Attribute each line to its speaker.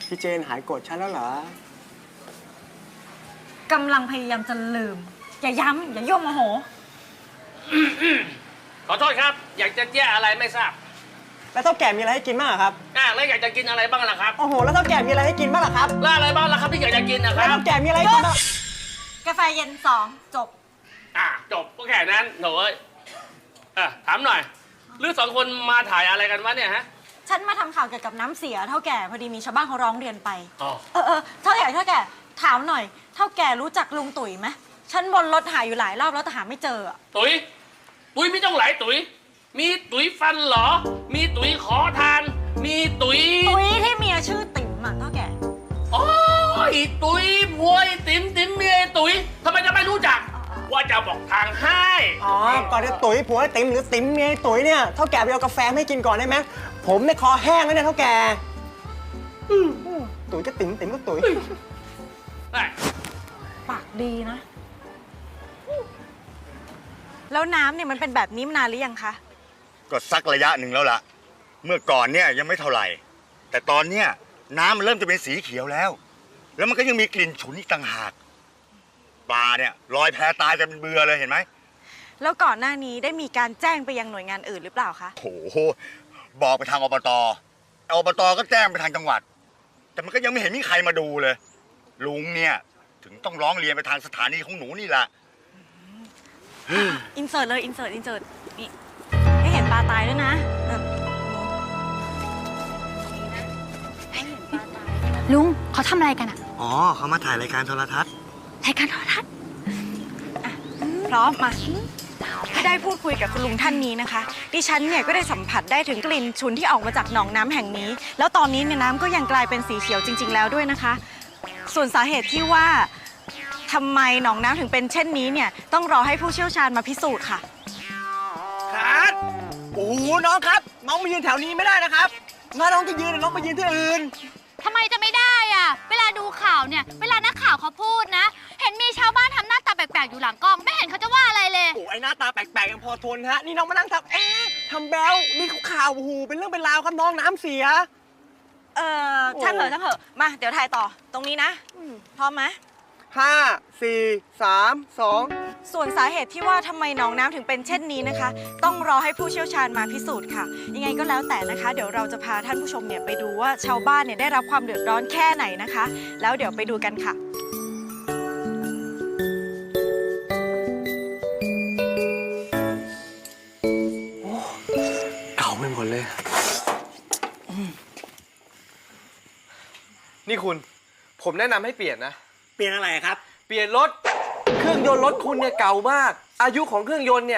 Speaker 1: พี่เจนหายโกรธฉันแล้วเหรอก
Speaker 2: ำลังพยายามจะลืม อย่าย้ำอย่าย่อมโมโห
Speaker 3: ขอโทษครับ อยากจะแจ้อะไรไม่ทราบ
Speaker 1: แล้วเท่าแก่มีอะไรให้กินบ้างอะครับ
Speaker 3: แล้วอยากจะกินอะไรบ้างล่ะครับ
Speaker 1: โอ้โหแล้วเท่าแก่มีอะไรให้กินบ้างล่ะครับ
Speaker 3: แล้วอะไรบ้างล่ะครับที่อยากจะกินนะค
Speaker 1: แล้ว
Speaker 3: รับ
Speaker 1: เท่าแก่มีอะไรให้กินบ้าง
Speaker 2: กาแฟเย็น2จบ
Speaker 3: จบก็แค่นั้นโถ่เอ้ยถามหน่อยหรือสองคนมาถ่ายอะไรกันวะเนี่ยฮะ
Speaker 2: ฉันมาทำข่าวเกี่ยวกับน้ำเสียเท่าแก่พอดีมีชาวบ้านเขาร้องเรียนไป
Speaker 3: อ๋อ
Speaker 2: เท่าแก่ถามหน่อย เท่าแก่รู้จักลุงตุ๋ยไหมฉันบนรถหาอยู่หลายรอบแล้วแต่หาไม่เจออะ
Speaker 3: ตุ๋ยไม่ต้องหลายตุ๋ยมีตุ๋ยฟันเหรอ มีตุ๋ยขอทาน มีตุ๋ย
Speaker 2: ตุ๋ยที่เมียชื่อติ๋มอะเท่าแก่
Speaker 3: โอ้ยตุ๋ยพวยติ๋มเมียตุ๋ยทำไมจะไม่รู้จัก ว่าจะบอกทางให้
Speaker 1: อ๋อก่อนจะตุ๋ยผัวไอ้ติ๋มหรือติ๋มเมียไอ้ตุ๋ยเนี่ยเท่าแก่ไปเอากาแฟให้กินก่อนได้ไหมผมเนี่ยคอแห้งแล้วเนี่ยเท่าแก่ตุ๋ยก็ติ๋มติ๋มก็ตุ๋ย
Speaker 3: ได้
Speaker 2: ปากดีนะ แล้วน้ำเนี่ยมันเป็นแบบนี้มานานหรือยังคะ
Speaker 4: ก็สักระยะหนึ่งแล้วล่ะ เมื่อก่อนเนี่ยยังไม่เท่าไหร่ แต่ตอนเนี้ยน้ำมันเริ่มจะเป็นสีเขียวแล้ว แล้วมันก็ยังมีกลิ่นฉุนอีกต่างหาก ปลาเนี่ยลอยแพตายกันเป็นเบือเลยเห็นไหม
Speaker 2: แล้วก่อนหน้านี้ได้มีการแจ้งไปยังหน่วยงานอื่นหรือเปล่าคะ
Speaker 4: โอ้โหบอกไปทางอบตก็แจ้งไปทางจังหวัด แต่มันก็ยังไม่เห็นมีใครมาดูเลย ลุงเนี่ยถึงต้องร้องเรียนไปทางสถานีของหนูนี่แหละ
Speaker 2: อินเสิร์ตเลยอินเสิร์ตนี่ให้เห็นปลาตายด้วยนะให้เห็นปลาตาย
Speaker 5: ลุงเขาทำอะไรกันอะ
Speaker 4: อ๋อเขามาถ่ายรายการโทรทัศน์
Speaker 5: รายการโทรทัศน์
Speaker 2: พร้อมมาได้พูดคุยกับคุณลุงท่านนี้นะคะ ดิฉันเนี่ยก็ได้สัมผัสได้ถึงกลิ่นฉุนที่ออกมาจากหนองน้ำแห่งนี้ แล้วตอนนี้เนี่ยน้ำก็ยังกลายเป็นสีเขียวจริง ๆ แล้วด้วยนะคะ ส่วนสาเหตุที่ว่าทำไมหนองน้ำถึงเป็นเช่นนี้เนี่ยต้องรอให้ผู้เชี่ยวชาญมาพิสูจน์ค่ะ
Speaker 1: ครับโอ้โหน้องครับ น้องมายืนแถวนี้ไม่ได้นะครับถ้าน้องจะยืนน้องไปยืนที่อื่น
Speaker 5: ทำไมจะไม่ได้อะเวลาดูข่าวเนี่ย เวลานักข่าวเขาพูดนะ เห็นมีชาวบ้านทำหน้าตาแปลกๆอยู่หลังกล้อง ไม่เห็นเขาจะว่าอะไรเลย
Speaker 1: โอ้ไอ้หน้าตาแปลกๆยังพอทนฮะ นี่น้องมานั่งทำทำแบลนี่เขาข่าวโอ้โหเป็นเรื่องเป็นราวครับน้องน้ำเสีย
Speaker 2: ช่างเถอะมาเดี๋ยวถ่ายต่อตรงนี้นะพร้อมไหม
Speaker 1: 5 4 3 2
Speaker 2: ส่วนสาเหตุที่ว่าทำไมหนองน้ำถึงเป็นเช่นนี้นะคะ ต้องรอให้ผู้เชี่ยวชาญมาพิสูจน์ค่ะ ยังไงก็แล้วแต่นะคะ เดี๋ยวเราจะพาท่านผู้ชมเนี่ยไปดูว่าชาวบ้านเนี่ยได้รับความเดือดร้อนแค่ไหนนะคะ แล้วเดี๋ยวไปดูกันค่ะ
Speaker 1: เก่าไปหมดเลย
Speaker 6: นี่คุณ ผมแนะนำให้เปลี่ยนนะ
Speaker 1: เปลี่ยนอะไรครับ
Speaker 6: เปลี่ยนรถ เครื่องยนต์รถคุณเนี่ยเก่ามาก อายุของเครื่องยนต์เนี่ย